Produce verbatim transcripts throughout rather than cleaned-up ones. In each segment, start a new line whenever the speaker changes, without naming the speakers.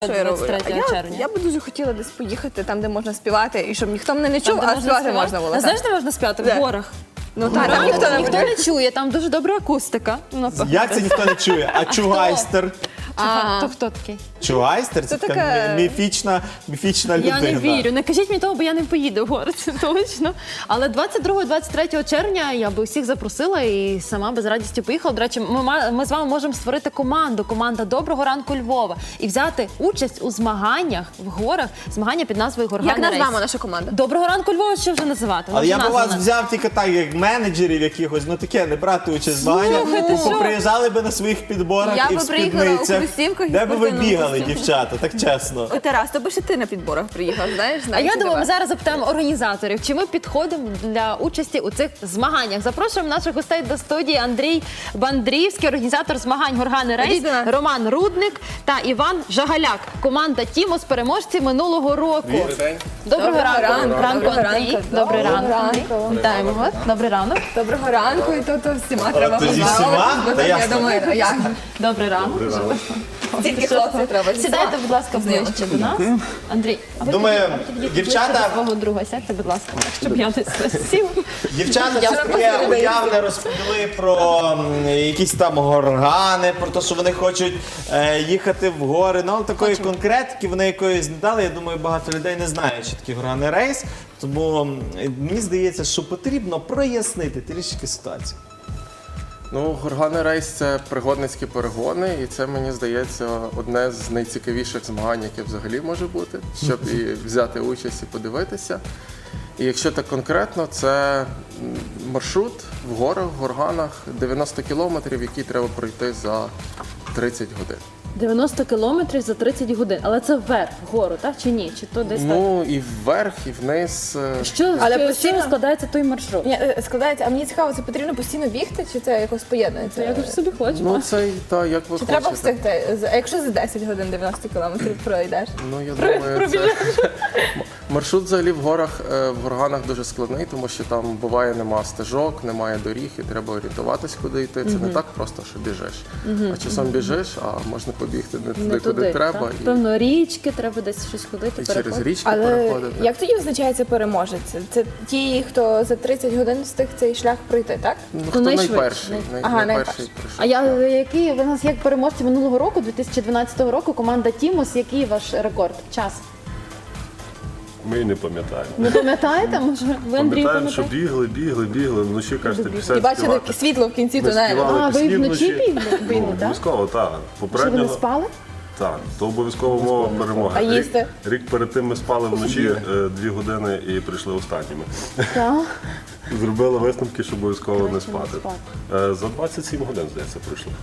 Що я роблю?
двадцять
А
третього
я,
червня.
я би дуже хотіла десь поїхати там, де можна співати, і щоб ніхто мене не чув,
Там, де
а співати
співати?
можна було.
А
так.
знаєш, де можна співати?
Де?
В горах.
Ну так, там
Реально,
ніхто не
ніхто
буде.
не чує, там дуже добра акустика. Ну,
Як це ніхто не чує? А чугайстер?
А, то хто такий?
Чугайстер це
Це
така
таке-
міфічна, міфічна людина.
Я не вірю. Не кажіть мені того, бо я не поїду в гори, це точно. Але двадцять другого - двадцять третього червня я би усіх запросила і сама без радості поїхала. До речі, ми, ма- ми з вами можемо створити команду, команда «Доброго ранку Львова» і взяти участь у змаганнях в горах, змагання під назвою
Як
«Горгана Рейс».
назвемо наша команда?
«Доброго ранку Львова», що вже називати? Ну,
Але
вже
я б
назва
вас
у нас.
взяв тільки так, як менеджерів якихось, ну таке, не брати участь в змаганнях.
Слухайте,
Ви
що?
поприїжджали би на своїх підборах
Я
і
би
в
приїхала у
спідницях.
кросівках і
Де би ви
спортивному
бігали,
костюмі.
дівчата, так чесно.
Ой, Тарас, то би ще ти на підборах приїхав, знаєш?
А
знаєш,
я
чи
думаю, ми
тебе?
зараз запитаємо організаторів, чи ми підходимо для участі у цих змаганнях. Запрошуємо наших гостей до студії: Андрій Бандрівський, організатор змагань «Горгани Рейс»,
Ходіть до нас.
Роман Рудник та Іван Жагаляк. Команда «Тімос», переможці минулого року.
Добрий
Доброго
Доброго
ранку,
ранку.
ранку,
Доброго
Андрій.
ранку.
Добрий
Доброго
ранок.
ранку.
Вітаємо вас. Добрий ранок.
Доброго ранку, і то, то всіма треба
тоді
поздоровитись,
всіма?
бо
Та
так, я
ясно.
думаю, а як?
Добрий ранок.
Тільки хлопців треба.
Сідайте, будь ласка, ближче до нас. Андрій, а ви
Думаю,
підійдіть- підійдіть
дівчата-
ближче до свого друга. Сядьте, будь ласка, так, щоб я не сів.
Дівчата
Я
все таке уявне розповіли про м, якісь там горгани, про те, що вони хочуть е, їхати в гори. Ну, але такої
Хочемо.
конкретики вони якоїсь не дали. Я думаю, багато людей не знають, що таке горгани рейс. Тому м, мені здається, що потрібно прояснити трішки ситуацію.
Ну, Горгани Рейс – це пригодницькі перегони, і це, мені здається, одне з найцікавіших змагань, яке взагалі може бути, щоб і взяти участь і подивитися. І якщо так конкретно, це м, маршрут в горах, в горганах, дев'яносто кілометрів, які треба пройти за тридцять годин.
дев'яносто кілометрів за тридцять годин. Але це вверх, вгору, так чи ні? Чи то десь
Ну, і вверх, і вниз. е,
так? Що,
Але
що,
постійно-
що складається той маршрут?
Ні, е, складається, а мені цікаво, це потрібно постійно бігти, чи це якось поєднується?
Я ж собі хочу.
Ну, це і та, як ви
Чи
хочете.
треба встигти? З- А якщо за десять годин дев'яносто кілометрів пройдеш?
Ну, я думаю, це... маршрут взагалі в горах, е, в горганах дуже складний, тому що там буває нема стежок, немає доріг, і треба орієнтуватись, куди йти. Це не так просто, що біжиш. А часом біжиш, а можна побігти не туди,
Не
куди
туди,
треба.
так?
І,
Певно, річки, треба десь щось ходити,
і через
переходити.
річки
Але
переходити.
як тоді визначається переможець? Це ті, хто за тридцять годин встиг цей шлях пройти, так?
Ну,
Хто
хто
найшвидший?
найперший, най,
Ага,
найперший
найперший.
прийшов.
А я, який ви нас як переможці минулого року, дві тисячі дванадцятого року, команда «Тімос», який ваш рекорд? Час?
Ми і не пам'ятаємо.
Не пам'ятаєте? Може, ви, Андрій,
Пам'ятаємо, що
пам'ятаєте?
бігли, бігли, бігли, вночі, кажете,
І
пісень
бачили
співати.
світло в кінці
Ми
тунелю.
співали
А, ви
пісні
вночі
вночі.
бігли, бігли,
Ну,
так?
обов'язково, так.
Що ви
Попередньо,
не спали?
так, то обов'язково мова перемоги.
А
Рік-
їсти?
Рік перед тим ми спали вночі е, дві години і прийшли останніми.
Так.
Зробили висновки, що обов'язково не
Краще не
спати.
спати.
Е, За двадцять сім годин, здається, прийшли.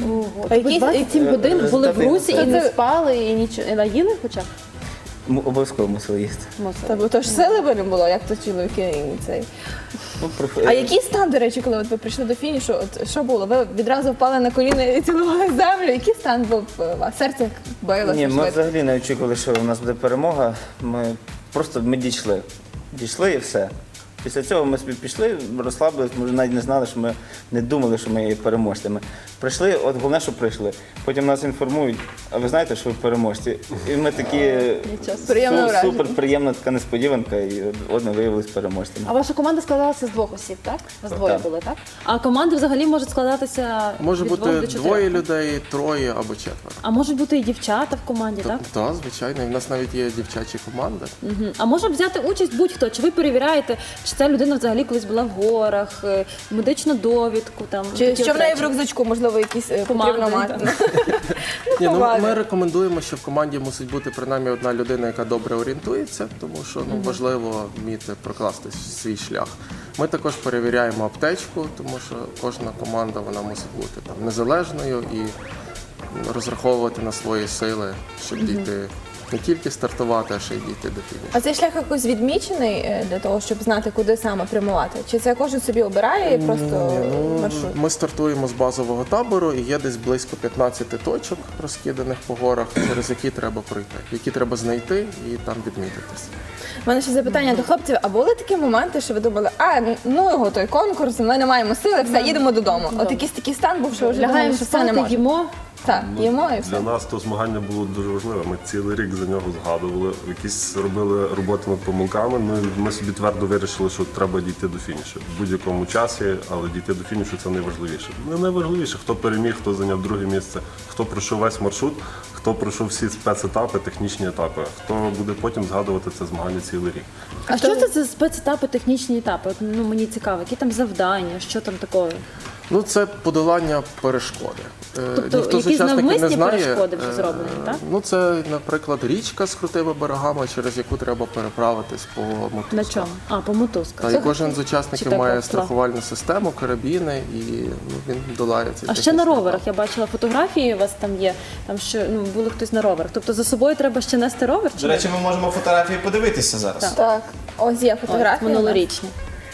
А
які-
двадцять сім годин були в Русі і не
Це-
спали, і нічого. І наїли хоча б?
М- Обов'язково мусили їсти.
Мусили.
Та бо то ж сили би не було, як то чоловіки і цей.
Ну, проф-
А який стан, до речі, коли от ви прийшли до фінішу? От що було? Ви відразу впали на коліна і цілували землю. Який стан був у вас? Серце билося
Ні, ми
швидко?
взагалі не очікували, що у нас буде перемога. Ми просто ми дійшли. Дійшли і все. Після цього ми собі пішли, розслабились, ми вже навіть не знали, що ми не думали, що ми є переможцями. Прийшли, от головне, що прийшли. Потім нас інформують, а ви знаєте, що ви переможці. І ми такі
Приємне
су-
враження.
супер приємна така несподіванка, і от, от ми виявилися переможцями.
А ваша команда складалася з двох осіб, так? Вас двоє
Так.
були, так? А команди взагалі можуть складатися
Може
від
бути
двох до чотирьох?
двоє людей, троє або четверо.
А можуть бути і дівчата в команді, так?
Так, звичайно. І в нас навіть є дівчачі команди.
Мгм. А може взяти участь будь-хто? Чи ви перевіряєте, чи ця людина взагалі колись була в горах, е, медичну довідку там?
Чи
такі
що в
от
неї в
речі?
рюкзачку, можливо, якісь е,
Команди,
потрібно мати?
Ні, ну,
Поваги.
ми рекомендуємо, що в команді мусить бути принаймні одна людина, яка добре орієнтується, тому що ну, важливо вміти прокласти свій шлях. Ми також перевіряємо аптечку, тому що кожна команда вона мусить бути там незалежною і розраховувати на свої сили, щоб дійти не тільки стартувати, а ще й дійти до фінішу.
А цей шлях якось відмічений е, для того, щоб знати, куди саме прямувати? Чи це кожен собі обирає і просто
Ну,
маршрут?
ми стартуємо з базового табору і є десь близько п'ятнадцять точок, розкиданих по горах, через які треба пройти, які треба знайти і там відмітитися.
У мене ще запитання до хлопців. А були такі моменти, що ви думали, а ну його той конкурс, ми не маємо сили, все, їдемо додому. От якийсь такий стан був, що вже думали,
Лягаємо
що це не
спати,
може.
їмо,
Так,
Ну,
їмо і все.
Для нас то змагання було дуже важливе. Ми цілий рік за нього згадували, якісь робили роботи над помилками. Ну, і ми собі твердо вирішили, що треба дійти до фінішу. В будь-якому часі, але дійти до фінішу це найважливіше. Не найважливіше, хто переміг, хто зайняв друге місце, хто пройшов весь маршрут, хто пройшов всі спецетапи, технічні етапи, хто буде потім згадувати це змагання цілий рік.
А що це за спецетапи, технічні етапи? От, ну, мені цікаво, які там завдання, що там такого?
Ну, це подолання перешкоди. Е,
Тобто
ніхто з
якісь
учасників не
навмисні
знає.
перешкоди вже
е,
зроблені, так?
Ну, це, наприклад, річка з крутими берегами, через яку треба переправитись по мотузках.
На чому? А, по мотузках.
Та, і кожен з учасників
Чи
має
так,
страхувальну систему, карабіни, і ну, він долає цей
А ще на
технічний
роверах
етап.
я бачила фотографії, у вас там є, там що ну були хтось на роверах. Тобто за собою треба ще нести ровер чи
До речі, ми можемо фотографії подивитися зараз.
Так, ось є
ні?
фотографія.
минулорічні.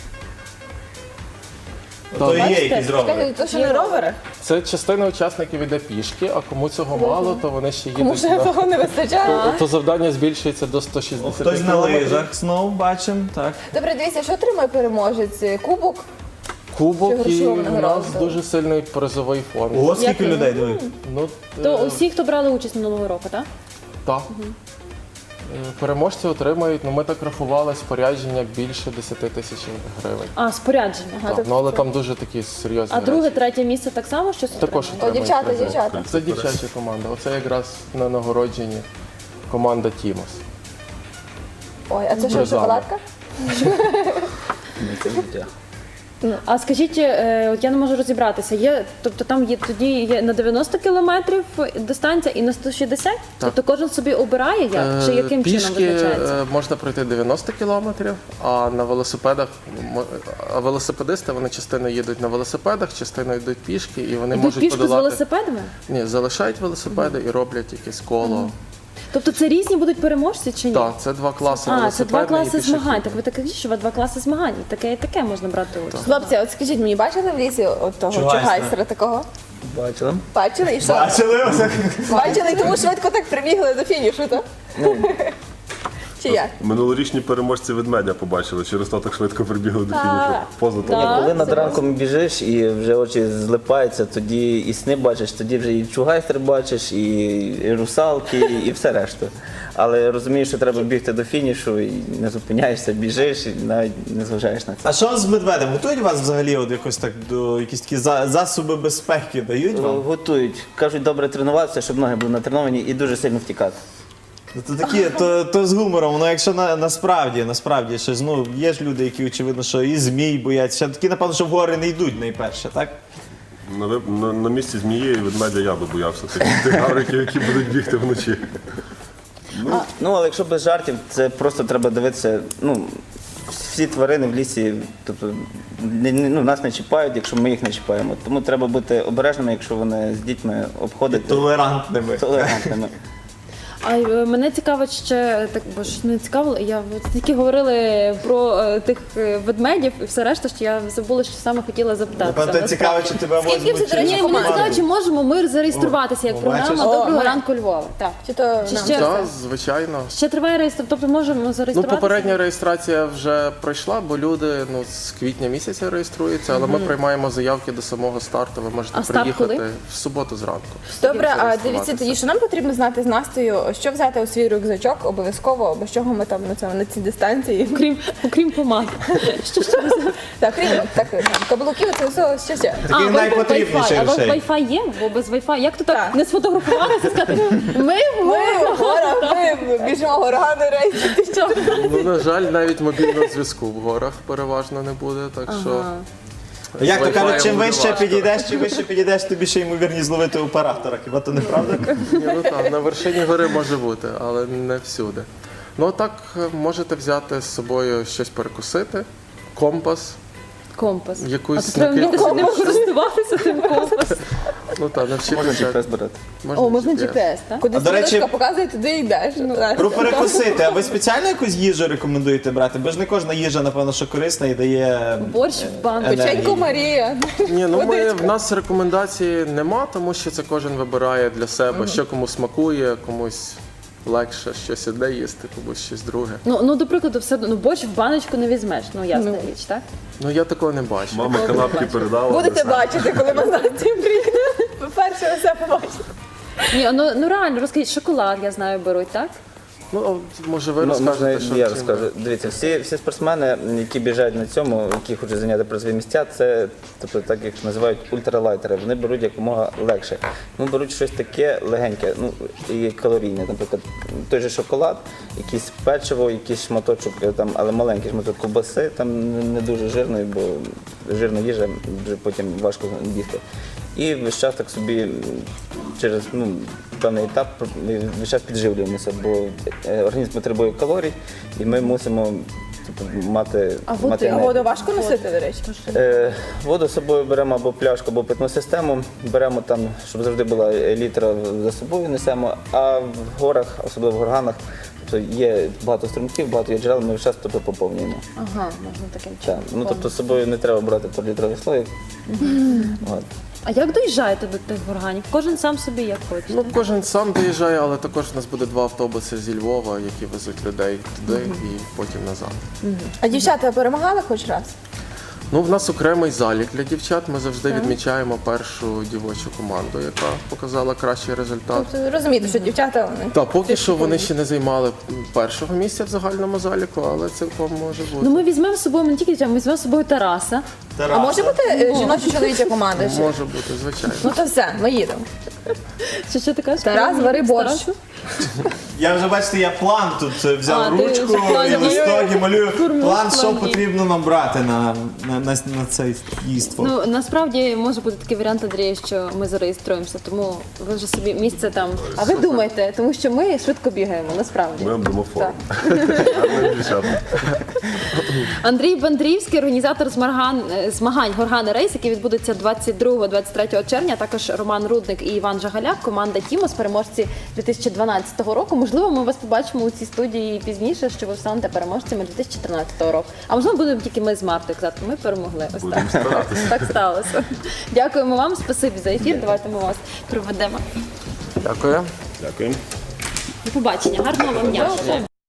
То і є
Бачите?
якісь ровери.
Чекайте, то що на роверах?
Це частина учасників іде пішки, а кому цього мало, то вони ще
Кому
їдуть.
ще
на-
того не вистачає?
То, то завдання збільшується до сто шістдесят
Хтось на
кілометрів.
лижах знову бачимо, так.
Добре, дивіться, що отримає переможець? Кубок?
Кубок
Чи
і
грошову
у нас
нагороду?
дуже сильний призовий фонд.
Ого, скільки
Як
людей диви.
Ну,
То
е,
усі, хто брали участь минулого року, так?
Так. Е, Переможці отримають, ну ми так рахували, спорядження більше десять тисяч гривень.
А, спорядження. Ага.
Так, ну але там дуже такі серйозні
А друге,
речі.
третє місце так само щось
Також
отримає?
О,
отримають
дівчата,
призи.
дівчата.
Це дівчача команда. Оце якраз на нагородженні команда Тімос.
Ой, а це що,
Призами.
шоколадка?
Ні, це життя.
Ну, а скажіть, е, от я не можу розібратися. Є, тобто там є тоді є на дев'яносто кілометрів дистанція і на сто шістдесят? Тобто кожен собі обирає як? Чи
Е,
яким чином
Пішки
визначається?
е, можна пройти дев'яносто кілометрів, а на велосипедах мо- а велосипедисти вони частину їдуть на велосипедах, частину йдуть пішки, і вони
Йдуть
можуть
пішки з
подолати.
велосипедами?
Ні, залишають велосипеди і роблять якесь коло.
Тобто це різні будуть переможці чи ні?
Так, це два класи
А, це
велосипедний
два
і
класи
пішохідний.
змагань. Так ви так кажіть, що ви два класи змагань. І таке і таке можна брати участь.
Хлопці, от скажіть мені, бачили в лісі от того
Чугайстера.
чугайстера такого?
Бачила?
Бачили і що?
Бачили?
Бачили, і тому швидко так прибігли до фінішу, так? Чи як?
Минулорічні переможці ведмедя побачили, через то так швидко прибігли до фінішу. Поза
Так.
того.
Коли над
це
ранком біжиш і вже очі злипаються, тоді і сни бачиш, тоді вже і чугайстер бачиш, і, і русалки, і все решта. Але розумієш, що треба бігти до фінішу і не зупиняєшся, біжиш і навіть не зважаєш на це.
А що з медведем? Готують вас взагалі от якось так до якісь такі за- засоби безпеки дають вам?
Готують. Кажуть, добре тренуватися, щоб ноги були натреновані і дуже сильно втікати.
То такі, то, то з гумором, ну якщо на, насправді, насправді щось, ну є ж люди, які очевидно, що і змій бояться. Ще такі, напевно, що в гори не йдуть найперше, так?
На, ви- на, на місці змії і ведмедя я би боявся тих, тих гавриків, які будуть бігти вночі.
Ну, але якщо без жартів, це просто треба дивитися. Ну, всі тварини в лісі, тобто не- не- ну, нас не чіпають, якщо ми їх не чіпаємо. Тому треба бути обережними, якщо вони з дітьми обходять
Толерантними.
толерантними.
А е, мене цікавить ще так, бо ж не цікавило. Я от тільки говорили про е, тих е, ведмедів і все решта, що я забула, що саме хотіла запитати.
Напевно, цікаво, чи тебе
Скільки
возьмуть.
вже, до
чи
речі,
на
Ні, мені
команду.
цікаво, чи можемо ми зареєструватися як
О,
програма
бачиш?
Доброго
О,
ранку Львова. Так.
Чи то
Чи
нам?
ще,
Так, звичайно.
ще триває реєстрація, тобто можемо
Ну,
зареєструватися?
попередня реєстрація вже пройшла, бо люди ну, з квітня місяця реєструються, але ми приймаємо заявки до самого старту. Ви можете
А старт
приїхати
коли?
в суботу зранку.
Добре, а
Зареєструватися.
дивіться тоді, що нам потрібно знати з Настею, що взяти у свій рюкзачок обов'язково, без чого ми там на цьому на цій дистанції.
Окрім, окрім помад. Що ще раз?
Так, крім так, там, каблуків, це все ще ще.
Таких
ви-
найпотрібніших
Wi-Fi. А у вас
речей.
Wi-Fi є? Бо без Wi-Fi. Як то так,
Так.
не сфотографувалися і сказати, ми
Ми в горах, ми біжимо горгани рейсі. Ти що?
Ну, на жаль, навіть мобільного зв'язку в горах переважно не буде, так що.
Як то
Wi-Fi
кажуть, чим
буде
вище
важко.
підійдеш, чим вище підійдеш, тобі ще ймовірність зловити оператора. Хіба то не правда?
Ні, ну там на вершині гори може бути, але не всюди. Ну а так е, можете взяти з собою щось перекусити, компас,
компас.
якусь
А то треба вміти
накидку.
ним користуватися цим компасом.
Ну так,
Можна
навчитися.
джі пі ес брати.
О, можна джі пі ес, так?
Куди
А, до речі-
стрілочка показує, туди йдеш. Так.
Про перекусити. А ви спеціально якусь їжу рекомендуєте брати? Бо ж не кожна їжа, напевно, що корисна і дає.
Борщ в банку.
Енергії.
Печенько Марія.
Ні, ну ми,
Водичка.
в нас рекомендації нема, тому що це кожен вибирає для себе, що кому смакує, комусь легше щось одне їсти, комусь щось друге.
Ну, ну, до прикладу, все одно, ну, борщ в баночку не візьмеш, ну, ясна
Ну.
річ, так?
Ну я такого не бачу.
Мама канапки передала.
Будете
десерт.
бачити, коли ми з Настею приїдемо. Перше все побачите.
Ні, ну, ну реально, розкажіть, шоколад, я знаю, беруть, так?
Ну, от, може, ви
Ну, можна
розкажете, що
я
чим
розкажу.
ви-
Дивіться, всі, всі спортсмени, які біжать на цьому, які хочуть зайняти призові місця, це тобто так їх називають ультралайтери. Вони беруть якомога легше. Ну, беруть щось таке легеньке, ну і калорійне. Наприклад, той же шоколад, якийсь печиво, якийсь шматочок, е, там, але маленький шматок ковбаси, там не- не дуже жирної, бо жирна їжа вже потім важко їсти. І весь час так собі м, через ну, певний етап ми весь час підживлюємося, бо е, організм потребує калорій, і ми мусимо типу, мати,
А
мати
воду, а
енергію.
воду важко носити, до речі?
Е, Воду з собою беремо або пляшку, або питну систему. Беремо там, щоб завжди була літра за собою несемо. А в горах, особливо в горганах, тобто є багато струмків, багато є джерел, ми весь час тобто, поповнюємо.
Ага, можна таким
Так.
чином.
Ну, тобто з собою не треба брати трилітровий слоїк. От.
А як доїжджаєте до тих органів? Кожен сам собі як хоче.
Ну, кожен сам доїжджає, але також у нас буде два автобуси зі Львова, які везуть людей туди і потім назад.
А дівчата перемагали хоч раз?
Ну, в нас окремий залік для дівчат. Ми завжди відмічаємо першу дівочу команду, яка показала кращий результат.
Тобто розумієте, що дівчата вони.
Та поки що вони ще не займали першого місця в загальному заліку, але цілком може бути.
Ну ми візьмемо з собою не тільки дівчат, ми візьмемо з собою Тараса.
А може бути е, жіноча чоловіча команда? Чи-
Може бути, звичайно.
Ну то все, ми їдемо.
Що, що ти кажеш?
Тарас, вари борщ.
Тарасу?
Я вже бачите, я план тут е, взяв
А, ти
ручку
вже план
і листок і малюю
Формуєш
план, що
план дій.
потрібно нам брати на, на, на, на це дійство.
Ну насправді може бути такий варіант, Андрій, що ми зареєструємося, тому ви вже собі місце там. А ви думайте, тому що ми швидко бігаємо, насправді.
Ми обдамо форму. Гарних дівчат.
Андрій Бандрівський, організатор змагань, змагань Горгани Рейс, які відбудуться двадцять другого - двадцять третього червня. Також Роман Рудник і Іван Жагаляк, команда Тімос, переможці дві тисячі дванадцятого року. Можливо, ми вас побачимо у цій студії пізніше, що ви станете переможцями дві тисячі тринадцятого року. А можливо, будемо тільки ми з Мартою казати, ми перемогли. Ось
Будемо
так.
старатися.
Так сталося. Дякуємо вам, спасибі за ефір. Давайте ми вас проведемо.
Дякую.
Дякую.
До побачення, гарного вам дня.